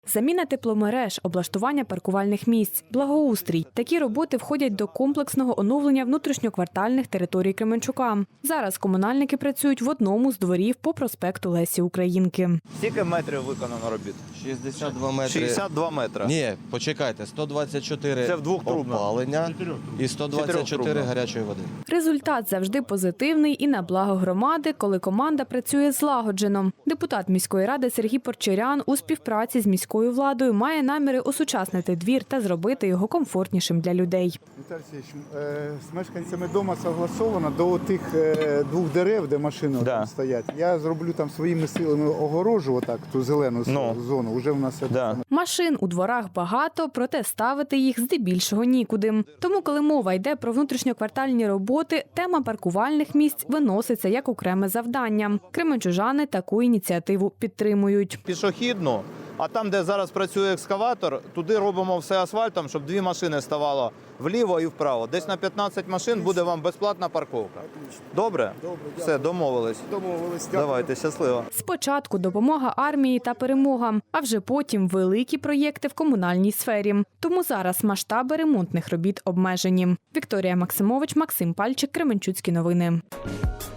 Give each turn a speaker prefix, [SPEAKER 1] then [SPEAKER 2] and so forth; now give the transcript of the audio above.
[SPEAKER 1] Заміна тепломереж, облаштування паркувальних місць, благоустрій. Такі роботи входять до комплексного оновлення внутрішньоквартальних територій Кременчука. Зараз комунальники працюють в одному з дворів по проспекту Лесі Українки.
[SPEAKER 2] Скільки метрів виконано робіт?
[SPEAKER 3] 62 метри.
[SPEAKER 2] 62 метри.
[SPEAKER 3] Ні, почекайте, 124
[SPEAKER 2] Це в двохтрубно.
[SPEAKER 3] опалення і 124
[SPEAKER 2] Чотирьохтрубно.
[SPEAKER 3] гарячої води.
[SPEAKER 1] Результат завжди позитивний і на благо громади, коли команда працює злагоджено. Депутат міської ради Сергій Порчерян у співпраці з міською владою має наміри осучаснити двір та зробити його комфортнішим для людей.
[SPEAKER 4] Віталій Сергійович, з мешканцями дому согласовано до тих двох дерев, де машини там стоять. Я зроблю там своїми силами огорожу, отак, ту зелену зону. Уже в нас це.
[SPEAKER 1] Машин у дворах багато, проте ставити їх здебільшого нікуди. Тому, коли мова йде про внутрішньоквартальні роботи, тема паркувальних місць виноситься як окреме завдання. Кременчужани таку ініціативу підтримують.
[SPEAKER 2] Пішохідну, а там, де зараз працює екскаватор, туди робимо все асфальтом, щоб 2 машини ставало вліво і вправо. Десь на 15 машин буде вам безплатна парковка. Добре? Все, домовились. Давайте, щасливо.
[SPEAKER 1] Спочатку допомога армії та перемога, а вже потім великі проєкти в комунальній сфері. Тому зараз масштаби ремонтних робіт обмежені. Вікторія Максимович, Максим Пальчик, Кременчуцькі новини.